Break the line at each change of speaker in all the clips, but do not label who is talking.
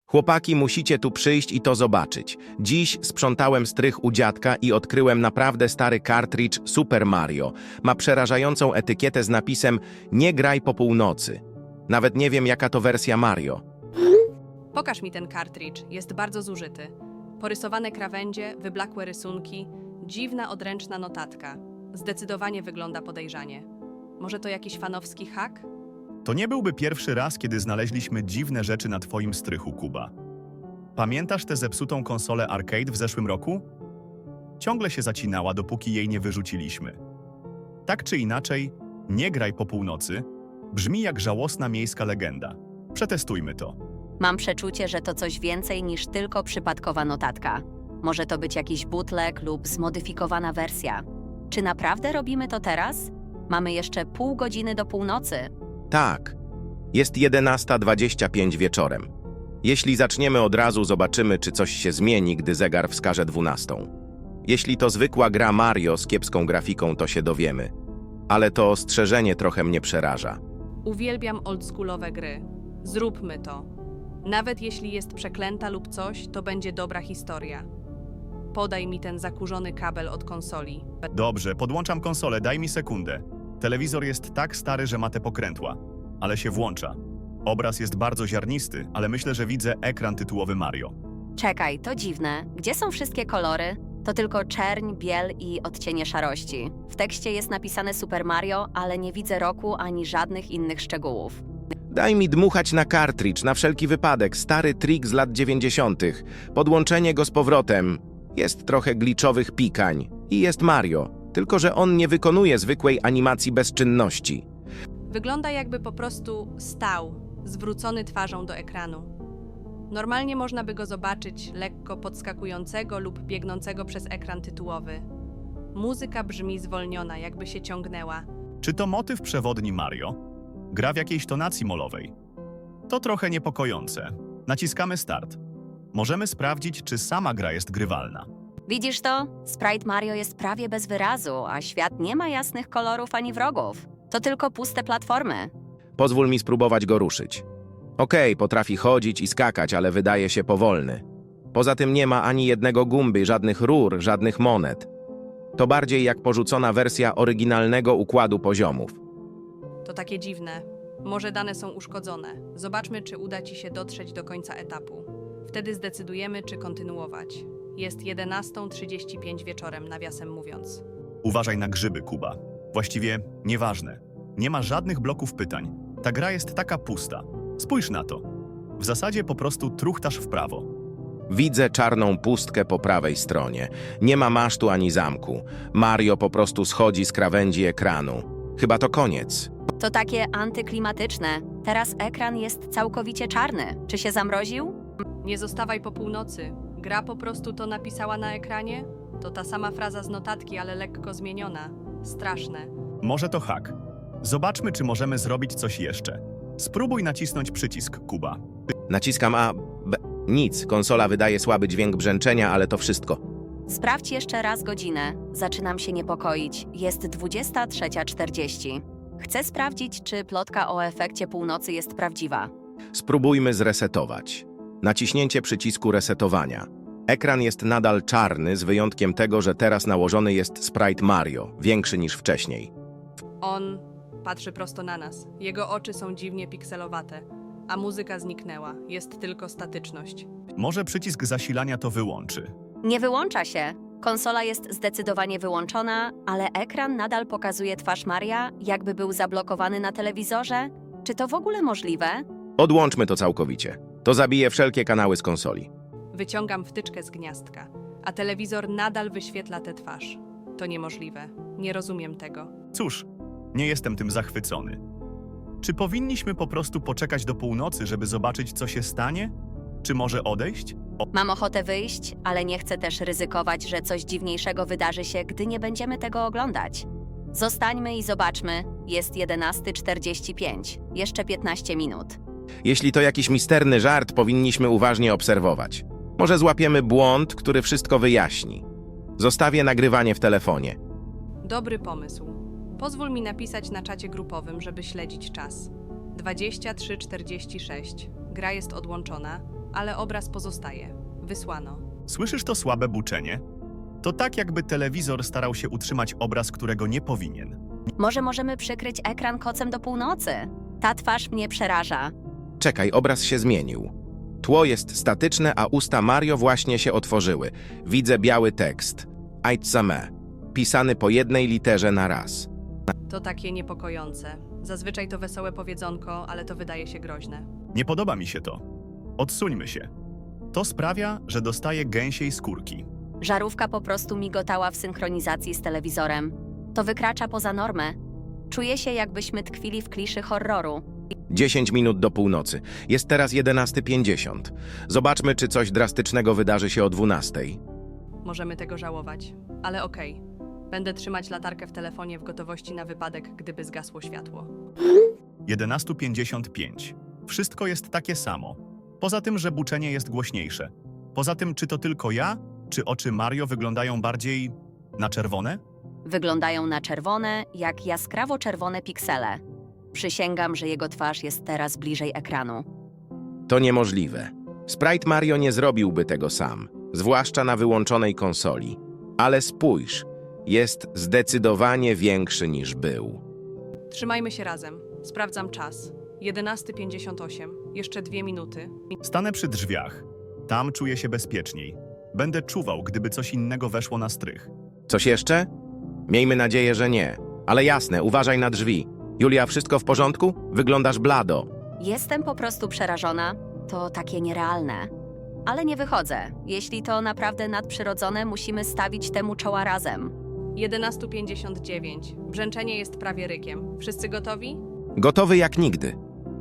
Chłopaki, musicie tu przyjść i to zobaczyć. Dziś sprzątałem strych u dziadka i odkryłem naprawdę stary kartridż Super Mario. Ma przerażającą etykietę z napisem „Nie graj po północy”. Nawet nie wiem, jaka to wersja Mario.
Pokaż mi ten kartridż, jest bardzo zużyty. Porysowane krawędzie, wyblakłe rysunki, dziwna odręczna notatka. Zdecydowanie wygląda podejrzanie. Może to jakiś fanowski hak?
To nie byłby pierwszy raz, kiedy znaleźliśmy dziwne rzeczy na twoim strychu, Kuba. Pamiętasz tę zepsutą konsolę arcade w zeszłym roku? Ciągle się zacinała, dopóki jej nie wyrzuciliśmy. Tak czy inaczej, nie graj po północy brzmi jak żałosna miejska legenda. Przetestujmy to.
Mam przeczucie, że to coś więcej niż tylko przypadkowa notatka. Może to być jakiś bootleg lub zmodyfikowana wersja. Czy naprawdę robimy to teraz? Mamy jeszcze pół godziny do północy.
Tak, jest 11:25 wieczorem. Jeśli zaczniemy od razu, zobaczymy, czy coś się zmieni, gdy zegar wskaże 12. Jeśli to zwykła gra Mario z kiepską grafiką, to się dowiemy. Ale to ostrzeżenie trochę mnie przeraża.
Uwielbiam oldschoolowe gry. Zróbmy to. Nawet jeśli jest przeklęta lub coś, to będzie dobra historia. Podaj mi ten zakurzony kabel od konsoli.
Dobrze, podłączam konsolę, daj mi sekundę. Telewizor jest tak stary, że ma te pokrętła, ale się włącza. Obraz jest bardzo ziarnisty, ale myślę, że widzę ekran tytułowy Mario.
Czekaj, to dziwne. Gdzie są wszystkie kolory? To tylko czerń, biel i odcienie szarości. W tekście jest napisane Super Mario, ale nie widzę roku ani żadnych innych szczegółów.
Daj mi dmuchać na kartridż, na wszelki wypadek. Stary trik z lat 90. Podłączenie go z powrotem. Jest trochę glitchowych pikań. I jest Mario. Tylko że on nie wykonuje zwykłej animacji bezczynności.
Wygląda, jakby po prostu stał, zwrócony twarzą do ekranu. Normalnie można by go zobaczyć lekko podskakującego lub biegnącego przez ekran tytułowy. Muzyka brzmi zwolniona, jakby się ciągnęła.
Czy to motyw przewodni Mario? Gra w jakiejś tonacji molowej. To trochę niepokojące. Naciskamy start. Możemy sprawdzić, czy sama gra jest grywalna.
Widzisz to? Sprite Mario jest prawie bez wyrazu, a świat nie ma jasnych kolorów ani wrogów. To tylko puste platformy.
Pozwól mi spróbować go ruszyć. Okej, potrafi chodzić i skakać, ale wydaje się powolny. Poza tym nie ma ani jednego gumby, żadnych rur, żadnych monet. To bardziej jak porzucona wersja oryginalnego układu poziomów.
To takie dziwne. Może dane są uszkodzone. Zobaczmy, czy uda ci się dotrzeć do końca etapu. Wtedy zdecydujemy, czy kontynuować. Jest 11:35 wieczorem, nawiasem mówiąc.
Uważaj na grzyby, Kuba. Właściwie nieważne. Nie ma żadnych bloków pytań. Ta gra jest taka pusta. Spójrz na to. W zasadzie po prostu truchtasz w prawo.
Widzę czarną pustkę po prawej stronie. Nie ma masztu ani zamku. Mario po prostu schodzi z krawędzi ekranu. Chyba to koniec.
To takie antyklimatyczne. Teraz ekran jest całkowicie czarny. Czy się zamroził?
Nie zostawaj po północy. Gra po prostu to napisała na ekranie? To ta sama fraza z notatki, ale lekko zmieniona. Straszne.
Może to hak. Zobaczmy, czy możemy zrobić coś jeszcze. Spróbuj nacisnąć przycisk, Kuba.
Naciskam A, B. Nic, konsola wydaje słaby dźwięk brzęczenia, ale to wszystko.
Sprawdź jeszcze raz godzinę. Zaczynam się niepokoić. Jest 23:40. Chcę sprawdzić, czy plotka o efekcie północy jest prawdziwa.
Spróbujmy zresetować. Naciśnięcie przycisku resetowania. Ekran jest nadal czarny, z wyjątkiem tego, że teraz nałożony jest sprite Mario, większy niż wcześniej.
On patrzy prosto na nas. Jego oczy są dziwnie pikselowate, a muzyka zniknęła. Jest tylko statyczność.
Może przycisk zasilania to wyłączy.
Nie wyłącza się. Konsola jest zdecydowanie wyłączona, ale ekran nadal pokazuje twarz Maria, jakby był zablokowany na telewizorze. Czy to w ogóle możliwe?
Odłączmy to całkowicie. To zabije wszelkie kanały z konsoli.
Wyciągam wtyczkę z gniazdka, a telewizor nadal wyświetla tę twarz. To niemożliwe. Nie rozumiem tego.
Cóż, nie jestem tym zachwycony. Czy powinniśmy po prostu poczekać do północy, żeby zobaczyć, co się stanie? Czy może odejść?
Mam ochotę wyjść, ale nie chcę też ryzykować, że coś dziwniejszego wydarzy się, gdy nie będziemy tego oglądać. Zostańmy i zobaczmy. Jest 11:45. Jeszcze 15 minut.
Jeśli to jakiś misterny żart, powinniśmy uważnie obserwować. Może złapiemy błąd, który wszystko wyjaśni. Zostawię nagrywanie w telefonie.
Dobry pomysł. Pozwól mi napisać na czacie grupowym, żeby śledzić czas. 23:46. Gra jest odłączona. ale obraz pozostaje. Wysłano.
Słyszysz to słabe buczenie? To tak, jakby telewizor starał się utrzymać obraz, którego nie powinien.
Może możemy przykryć ekran kocem do północy? Ta twarz mnie przeraża.
Czekaj, obraz się zmienił. Tło jest statyczne, a usta Mario właśnie się otworzyły. Widzę biały tekst. Aitsame. Pisany po jednej literze na raz.
To takie niepokojące. Zazwyczaj to wesołe powiedzonko, ale to wydaje się groźne.
Nie podoba mi się to. Odsuńmy się. To sprawia, że dostaję gęsiej skórki.
Żarówka po prostu migotała w synchronizacji z telewizorem. To wykracza poza normę. Czuję się, jakbyśmy tkwili w kliszy horroru.
10 minut do północy. Jest teraz 11:50. Zobaczmy, czy coś drastycznego wydarzy się o 12:00.
Możemy tego żałować, ale okej. Będę trzymać latarkę w telefonie w gotowości na wypadek, gdyby zgasło światło.
11:55. Wszystko jest takie samo. Poza tym, że buczenie jest głośniejsze. Poza tym, czy to tylko ja, czy oczy Mario wyglądają bardziej na czerwone?
Wyglądają na czerwone, jak jaskrawo-czerwone piksele. Przysięgam, że jego twarz jest teraz bliżej ekranu.
To niemożliwe. Sprite Mario nie zrobiłby tego sam, zwłaszcza na wyłączonej konsoli. Ale spójrz, jest zdecydowanie większy niż był.
Trzymajmy się razem. Sprawdzam czas. 11:58. Jeszcze 2 minuty.
Stanę przy drzwiach. Tam czuję się bezpieczniej. Będę czuwał, gdyby coś innego weszło na strych.
Coś jeszcze? Miejmy nadzieję, że nie. Ale jasne, uważaj na drzwi. Julia, wszystko w porządku? Wyglądasz blado.
Jestem po prostu przerażona. To takie nierealne. Ale nie wychodzę. Jeśli to naprawdę nadprzyrodzone, musimy stawić temu czoła razem.
11:59. Brzęczenie jest prawie rykiem. Wszyscy gotowi?
Gotowy jak nigdy.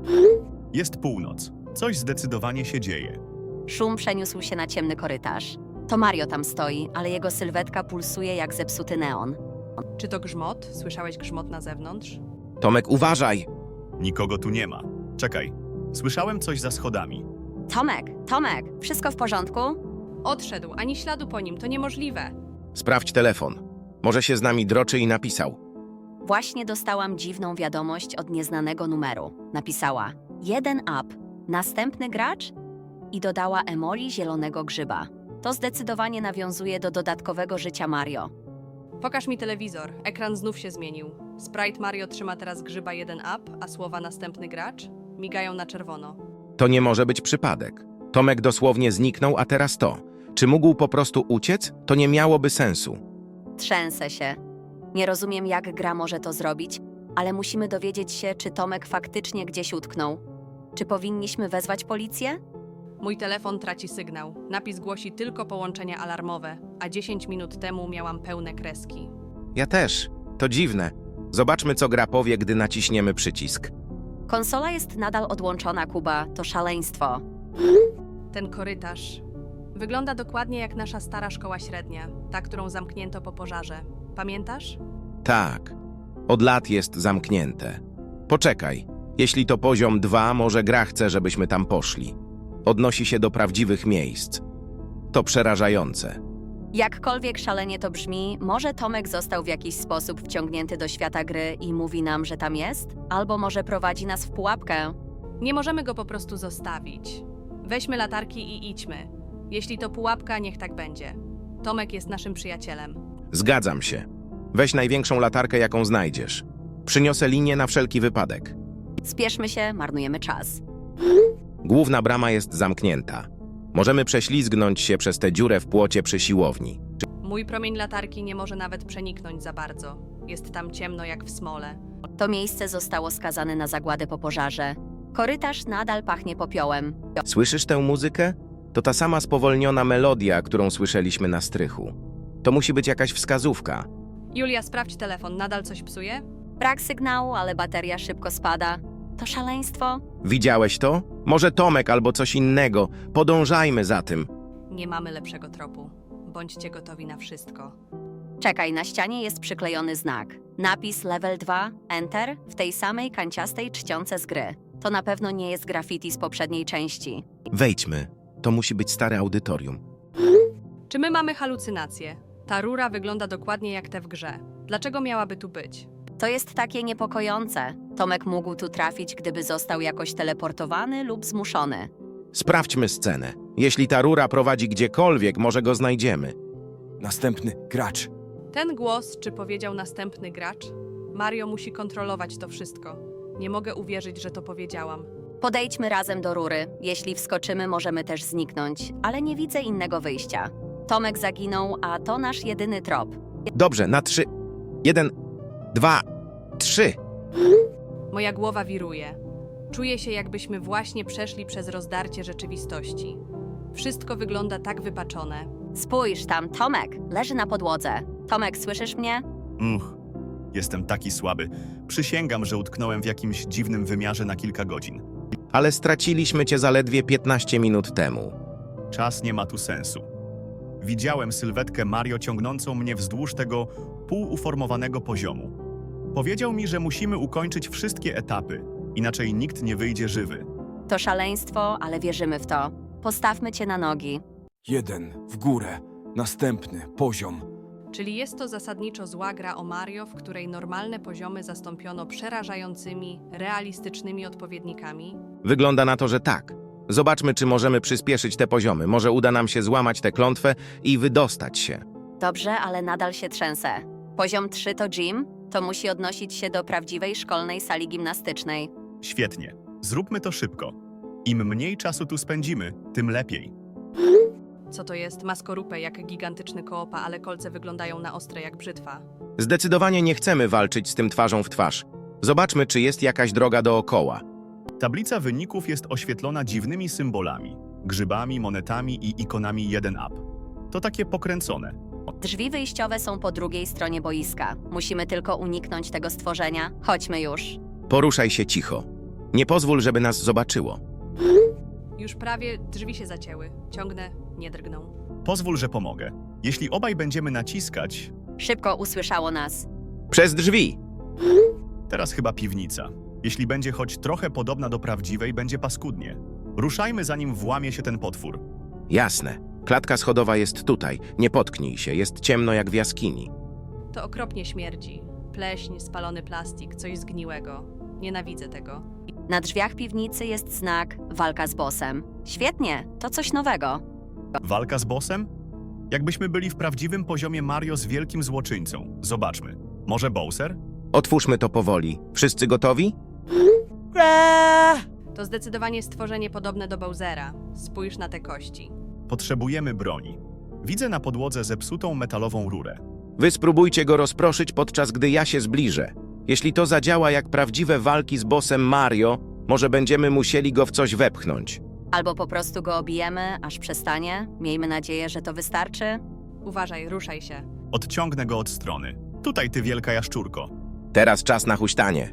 Jest północ. Coś zdecydowanie się dzieje.
Szum przeniósł się na ciemny korytarz. To Mario tam stoi, ale jego sylwetka pulsuje jak zepsuty neon.
Czy to grzmot? Słyszałeś grzmot na zewnątrz?
Tomek, uważaj!
Nikogo tu nie ma. Czekaj. Słyszałem coś za schodami.
Tomek, wszystko w porządku?
Odszedł, ani śladu po nim. To niemożliwe.
Sprawdź telefon. Może się z nami droczy i napisał.
Właśnie dostałam dziwną wiadomość od nieznanego numeru. Napisała 1 up, następny gracz i dodała emoli zielonego grzyba. To zdecydowanie nawiązuje do dodatkowego życia Mario.
Pokaż mi telewizor. Ekran znów się zmienił. Sprite Mario trzyma teraz grzyba 1 up, a słowa następny gracz migają na czerwono.
To nie może być przypadek. Tomek dosłownie zniknął, a teraz to. Czy mógł po prostu uciec? To nie miałoby sensu.
Trzęsę się. Nie rozumiem, jak gra może to zrobić, ale musimy dowiedzieć się, czy Tomek faktycznie gdzieś utknął. Czy powinniśmy wezwać policję?
Mój telefon traci sygnał. Napis głosi tylko połączenia alarmowe, a 10 minut temu miałam pełne kreski.
Ja też. To dziwne. Zobaczmy, co gra powie, gdy naciśniemy przycisk.
Konsola jest nadal odłączona, Kuba. To szaleństwo.
Ten korytarz wygląda dokładnie jak nasza stara szkoła średnia, ta, którą zamknięto po pożarze. Pamiętasz?
Tak. Od lat jest zamknięte. Poczekaj. Jeśli to poziom 2, może gra chce, żebyśmy tam poszli. Odnosi się do prawdziwych miejsc. To przerażające.
Jakkolwiek szalenie to brzmi, może Tomek został w jakiś sposób wciągnięty do świata gry i mówi nam, że tam jest? Albo może prowadzi nas w pułapkę?
Nie możemy go po prostu zostawić. Weźmy latarki i idźmy. Jeśli to pułapka, niech tak będzie. Tomek jest naszym przyjacielem.
Zgadzam się. Weź największą latarkę, jaką znajdziesz. Przyniosę linię na wszelki wypadek.
Spieszmy się, marnujemy czas.
Główna brama jest zamknięta. Możemy prześlizgnąć się przez tę dziurę w płocie przy siłowni.
Mój promień latarki nie może nawet przeniknąć za bardzo. Jest tam ciemno jak w smole.
To miejsce zostało skazane na zagładę po pożarze. Korytarz nadal pachnie popiołem.
Słyszysz tę muzykę? To ta sama spowolniona melodia, którą słyszeliśmy na strychu. To musi być jakaś wskazówka.
Julia, sprawdź telefon. Nadal coś psuje?
Brak sygnału, ale bateria szybko spada. To szaleństwo.
Widziałeś to? Może Tomek albo coś innego. Podążajmy za tym.
Nie mamy lepszego tropu. Bądźcie gotowi na wszystko.
Czekaj, na ścianie jest przyklejony znak. Napis level 2, enter, w tej samej kanciastej czcionce z gry. To na pewno nie jest graffiti z poprzedniej części.
Wejdźmy. To musi być stare audytorium.
Czy my mamy halucynacje? Ta rura wygląda dokładnie jak te w grze. Dlaczego miałaby tu być?
To jest takie niepokojące. Tomek mógł tu trafić, gdyby został jakoś teleportowany lub zmuszony.
Sprawdźmy scenę. Jeśli ta rura prowadzi gdziekolwiek, może go znajdziemy.
Następny gracz.
Ten głos, czy powiedział następny gracz? Mario musi kontrolować to wszystko. Nie mogę uwierzyć, że to powiedziałam.
Podejdźmy razem do rury. Jeśli wskoczymy, możemy też zniknąć, ale nie widzę innego wyjścia. Tomek zaginął, a to nasz jedyny trop.
Dobrze, na 3. 1, 2, 3.
Moja głowa wiruje. Czuję się, jakbyśmy właśnie przeszli przez rozdarcie rzeczywistości. Wszystko wygląda tak wypaczone.
Spójrz tam, Tomek leży na podłodze. Tomek, słyszysz mnie?
Jestem taki słaby. Przysięgam, że utknąłem w jakimś dziwnym wymiarze na kilka godzin.
Ale straciliśmy cię zaledwie 15 minut temu.
Czas nie ma tu sensu. Widziałem sylwetkę Mario ciągnącą mnie wzdłuż tego półuformowanego poziomu. Powiedział mi, że musimy ukończyć wszystkie etapy, inaczej nikt nie wyjdzie żywy.
To szaleństwo, ale wierzymy w to. Postawmy cię na nogi.
1 w górę. Następny poziom.
Czyli jest to zasadniczo zła gra o Mario, w której normalne poziomy zastąpiono przerażającymi, realistycznymi odpowiednikami?
Wygląda na to, że tak. Zobaczmy, czy możemy przyspieszyć te poziomy. Może uda nam się złamać tę klątwę i wydostać się.
Dobrze, ale nadal się trzęsę. Poziom 3 to gym, to musi odnosić się do prawdziwej szkolnej sali gimnastycznej.
Świetnie. Zróbmy to szybko. Im mniej czasu tu spędzimy, tym lepiej.
Co to jest? Ma skorupę jak gigantyczny koopa, ale kolce wyglądają na ostre jak brzytwa.
Zdecydowanie nie chcemy walczyć z tym twarzą w twarz. Zobaczmy, czy jest jakaś droga dookoła.
Tablica wyników jest oświetlona dziwnymi symbolami, grzybami, monetami i ikonami 1UP. To takie pokręcone.
Drzwi wyjściowe są po drugiej stronie boiska. Musimy tylko uniknąć tego stworzenia. Chodźmy już.
Poruszaj się cicho. Nie pozwól, żeby nas zobaczyło.
Już prawie drzwi się zacięły. Ciągnę, nie drgną.
Pozwól, że pomogę. Jeśli obaj będziemy naciskać,
Szybko usłyszało nas.
Przez drzwi!
teraz chyba piwnica. Jeśli będzie choć trochę podobna do prawdziwej, będzie paskudnie. Ruszajmy, zanim włamie się ten potwór.
Jasne. Klatka schodowa jest tutaj. Nie potknij się. Jest ciemno jak w jaskini.
To okropnie śmierdzi. Pleśń, spalony plastik, coś zgniłego. Nienawidzę tego.
Na drzwiach piwnicy jest znak walka z bossem. Świetnie, to coś nowego.
Walka z bossem? Jakbyśmy byli w prawdziwym poziomie Mario z wielkim złoczyńcą. Zobaczmy. Może Bowser?
Otwórzmy to powoli. Wszyscy gotowi?
To zdecydowanie stworzenie podobne do Bowsera. Spójrz na te kości.
Potrzebujemy broni. Widzę na podłodze zepsutą metalową rurę.
Wy spróbujcie go rozproszyć, podczas gdy ja się zbliżę. Jeśli to zadziała jak prawdziwe walki z bossem Mario, może będziemy musieli go w coś wepchnąć.
Albo po prostu go obijemy, aż przestanie. Miejmy nadzieję, że to wystarczy.
Uważaj, ruszaj się.
Odciągnę go od strony. Tutaj, ty wielka jaszczurko.
Teraz czas na huśtanie.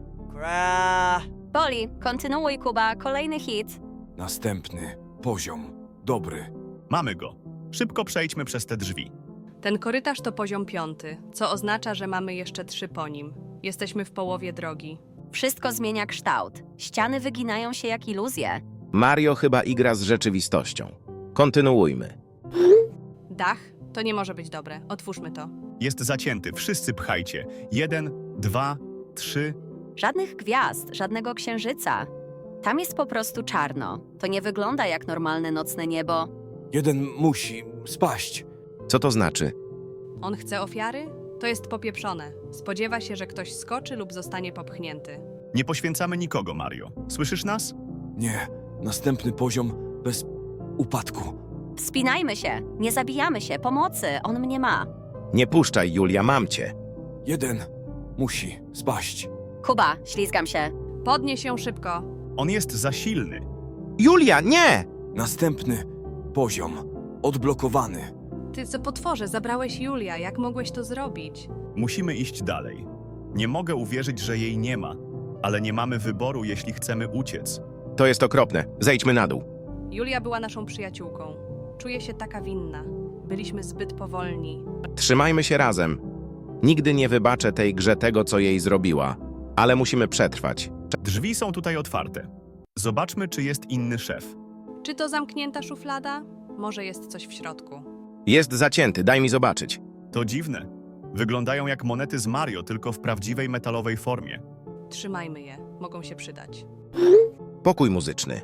Boli, kontynuuj, Kuba, kolejny hit.
Następny poziom. Dobry.
Mamy go. Szybko przejdźmy przez te drzwi.
Ten korytarz to poziom 5, co oznacza, że mamy jeszcze 3 po nim. Jesteśmy w połowie drogi.
Wszystko zmienia kształt. Ściany wyginają się jak iluzje.
Mario chyba igra z rzeczywistością. Kontynuujmy.
Dach? To nie może być dobre. Otwórzmy to.
Jest zacięty. Wszyscy pchajcie. 1, 2, 3.
Żadnych gwiazd, żadnego księżyca. Tam jest po prostu czarno. To nie wygląda jak normalne nocne niebo.
1 musi spaść.
Co to znaczy?
On chce ofiary? To jest popieprzone. Spodziewa się, że ktoś skoczy lub zostanie popchnięty.
Nie poświęcamy nikogo, Mario. Słyszysz nas?
Nie. Następny poziom bez upadku.
Wspinajmy się, nie zabijamy się, pomocy, on mnie ma.
Nie puszczaj, Julia, mam cię.
1 musi spaść.
Kuba, ślizgam się.
Podnieś się szybko.
On jest za silny.
Julia, nie!
Następny poziom. Odblokowany.
Ty co potworze, zabrałeś Julia. Jak mogłeś to zrobić?
Musimy iść dalej. Nie mogę uwierzyć, że jej nie ma. Ale nie mamy wyboru, jeśli chcemy uciec.
To jest okropne. Zejdźmy na dół.
Julia była naszą przyjaciółką. Czuję się taka winna. Byliśmy zbyt powolni.
Trzymajmy się razem. Nigdy nie wybaczę tej grze tego, co jej zrobiła. Ale musimy przetrwać.
Drzwi są tutaj otwarte. Zobaczmy, czy jest inny szef.
Czy to zamknięta szuflada? Może jest coś w środku.
Jest zacięty, daj mi zobaczyć.
To dziwne. Wyglądają jak monety z Mario, tylko w prawdziwej metalowej formie.
Trzymajmy je. Mogą się przydać.
Pokój muzyczny.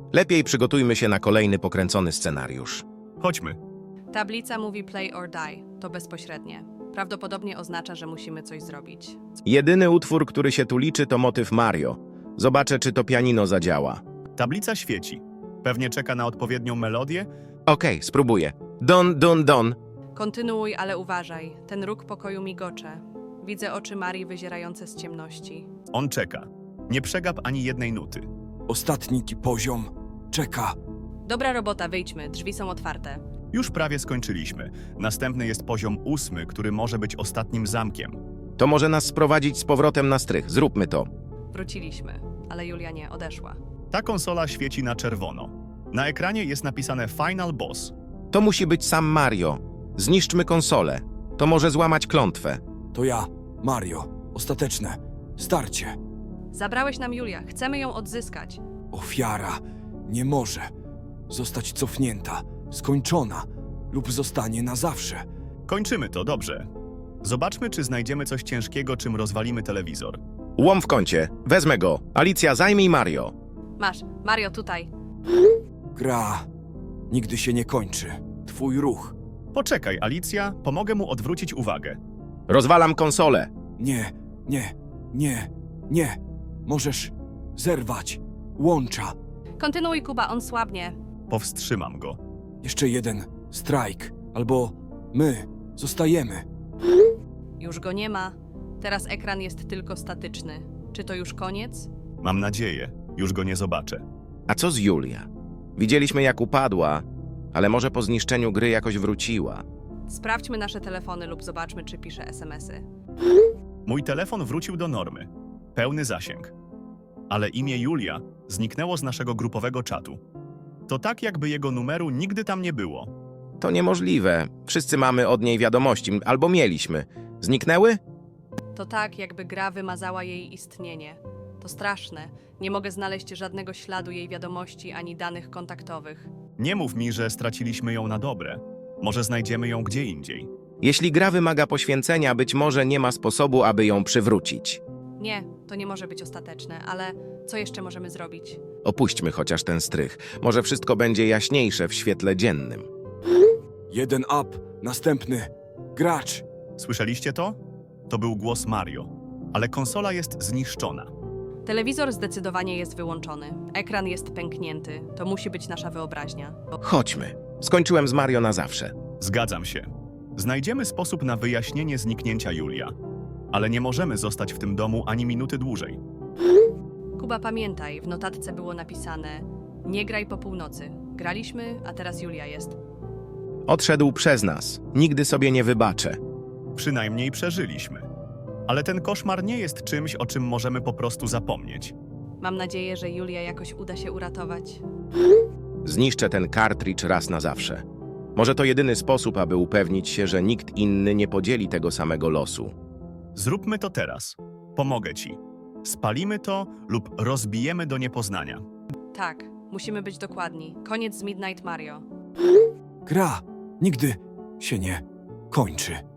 Lepiej przygotujmy się na kolejny pokręcony scenariusz.
Chodźmy.
Tablica mówi play or die. To bezpośrednie. Prawdopodobnie oznacza, że musimy coś zrobić.
Jedyny utwór, który się tu liczy, to motyw Mario. Zobaczę, czy to pianino zadziała.
Tablica świeci. Pewnie czeka na odpowiednią melodię.
Okej, spróbuję. Don, don, don.
Kontynuuj, ale uważaj. Ten róg pokoju migocze. Widzę oczy Marii wyzierające z ciemności.
On czeka. Nie przegap ani jednej nuty.
Ostatni poziom. Czeka.
Dobra robota, wyjdźmy. Drzwi są otwarte.
Już prawie skończyliśmy. Następny jest poziom 8, który może być ostatnim zamkiem.
To może nas sprowadzić z powrotem na strych. Zróbmy to.
Wróciliśmy, ale Julia nie odeszła.
Ta konsola świeci na czerwono. Na ekranie jest napisane Final Boss.
To musi być sam Mario. Zniszczmy konsolę. To może złamać klątwę.
To ja, Mario. Ostateczne. Starcie.
Zabrałeś nam Julia. Chcemy ją odzyskać.
Ofiara nie może zostać cofnięta, skończona lub zostanie na zawsze.
Kończymy to, dobrze. Zobaczmy, czy znajdziemy coś ciężkiego, czym rozwalimy telewizor.
Łom w kącie. Wezmę go. Alicja, zajmij Mario.
Masz. Mario, tutaj.
Gra nigdy się nie kończy. Twój ruch.
Poczekaj, Alicja, pomogę mu odwrócić uwagę.
Rozwalam konsolę.
Nie, nie, nie, nie. Możesz zerwać łącza.
Kontynuuj, Kuba, on słabnie.
Powstrzymam go.
Jeszcze jeden strajk, albo my zostajemy.
Już go nie ma. Teraz ekran jest tylko statyczny. Czy to już koniec?
Mam nadzieję, już go nie zobaczę.
A co z Julia? Widzieliśmy, jak upadła, ale może po zniszczeniu gry jakoś wróciła.
Sprawdźmy nasze telefony lub zobaczmy, czy pisze SMS-y.
Mój telefon wrócił do normy. Pełny zasięg. Ale imię Julia zniknęło z naszego grupowego czatu. To tak, jakby jego numeru nigdy tam nie było.
To niemożliwe. Wszyscy mamy od niej wiadomości, albo mieliśmy. Zniknęły?
To tak, jakby gra wymazała jej istnienie. To straszne. Nie mogę znaleźć żadnego śladu jej wiadomości ani danych kontaktowych.
Nie mów mi, że straciliśmy ją na dobre. Może znajdziemy ją gdzie indziej.
Jeśli gra wymaga poświęcenia, być może nie ma sposobu, aby ją przywrócić.
Nie, to nie może być ostateczne, ale co jeszcze możemy zrobić?
Opuśćmy chociaż ten strych. Może wszystko będzie jaśniejsze w świetle dziennym.
Jeden up, następny. Gracz.
Słyszeliście to? To był głos Mario. Ale konsola jest zniszczona.
Telewizor zdecydowanie jest wyłączony. Ekran jest pęknięty. To musi być nasza wyobraźnia.
Chodźmy. Skończyłem z Mario na zawsze.
Zgadzam się. Znajdziemy sposób na wyjaśnienie zniknięcia Julia. Ale nie możemy zostać w tym domu ani minuty dłużej.
Kuba, pamiętaj, w notatce było napisane: nie graj po północy. Graliśmy, a teraz Julia jest.
Odszedł przez nas. Nigdy sobie nie wybaczę.
Przynajmniej przeżyliśmy. Ale ten koszmar nie jest czymś, o czym możemy po prostu zapomnieć.
Mam nadzieję, że Julia jakoś uda się uratować.
Zniszczę ten kartridż raz na zawsze. Może to jedyny sposób, aby upewnić się, że nikt inny nie podzieli tego samego losu.
Zróbmy to teraz. Pomogę ci. Spalimy to lub rozbijemy do niepoznania.
Tak, musimy być dokładni. Koniec z Midnight Mario.
Gra nigdy się nie kończy.